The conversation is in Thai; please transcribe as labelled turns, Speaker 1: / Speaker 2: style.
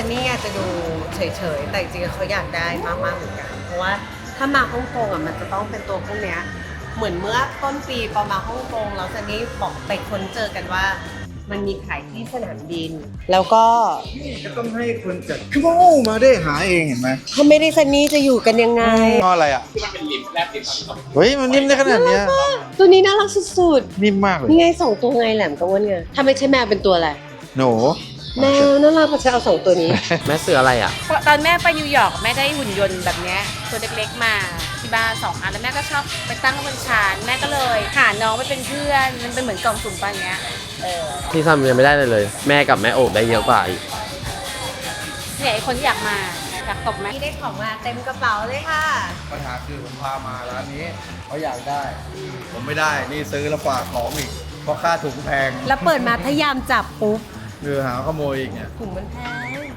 Speaker 1: นนี่อาจจะดูเฉยๆแต่จริงๆเขาอยากได้มากๆเหมือนกันเพราะว่าถ้ามาฮ่องกงอ่ะมันจะต้องเป็นตัวพวกเนี้ยเหมือนเมื่อต้นปีพอมาฮ่องกงแล้วซันนี่บอกไปค้นเจอกันว่ามันมีขายที่สนามบินแล้วก็
Speaker 2: ก็ต้องให้คนจัดคือว่าโอ้มาได้หาเองเห็นไหม
Speaker 1: ถ้าไม่ได้ซันนี่จะอยู่กันยังไง
Speaker 2: งออะไรอ่ะเฮ้ยมันนิ่มได้ขนาดเนี้ย
Speaker 1: ตัวนี้น่ารักสุด
Speaker 2: นิ่มมากเล
Speaker 1: ๆ
Speaker 2: ย
Speaker 1: นี่ไงสองตัวไงแหลมกับอ้วนไงถ้าไม่ใช่แมวเป็นตัวอะไร
Speaker 2: หนู
Speaker 1: แมวน่ารักเพราะฉันเอาสองตัวนี้
Speaker 3: แม่ซื้ออะไรอ่ะ
Speaker 4: ตอนแม่ไปนิวยอร์กแม่ได้หุ่นยนต์แบบเนี้ยตัวเล็กๆมาที่บ้าน2 อันแล้วแม่ก็ชอบไปตั้งไว้บนชานแม่ก็เลยหาน้องไปเป็นเพื่อนมันเป็นเหมือนกล่องสุ่มปันเงี้ย
Speaker 3: ที่ทำยังไม่ได้เลย แม่กับแม่โอบได้เยอะกว่าอีก
Speaker 4: เนี่ยไอ้คนที่อยากมาอยากตบไหม
Speaker 1: นี่ได้ของมาเต็มกระเป๋าเลยค่ะ
Speaker 2: ปัญหาคือผมพามาร้านนี้เขาอยากได้ ผมไม่ได้นี่ซื้อแล้วฝากของอีกเพราะค่าถุงแพง
Speaker 1: แล้วเปิดมาพยายามจับปุ๊บ
Speaker 2: คือหาขโมยอีกเนี่ย
Speaker 1: ถุงมันแพง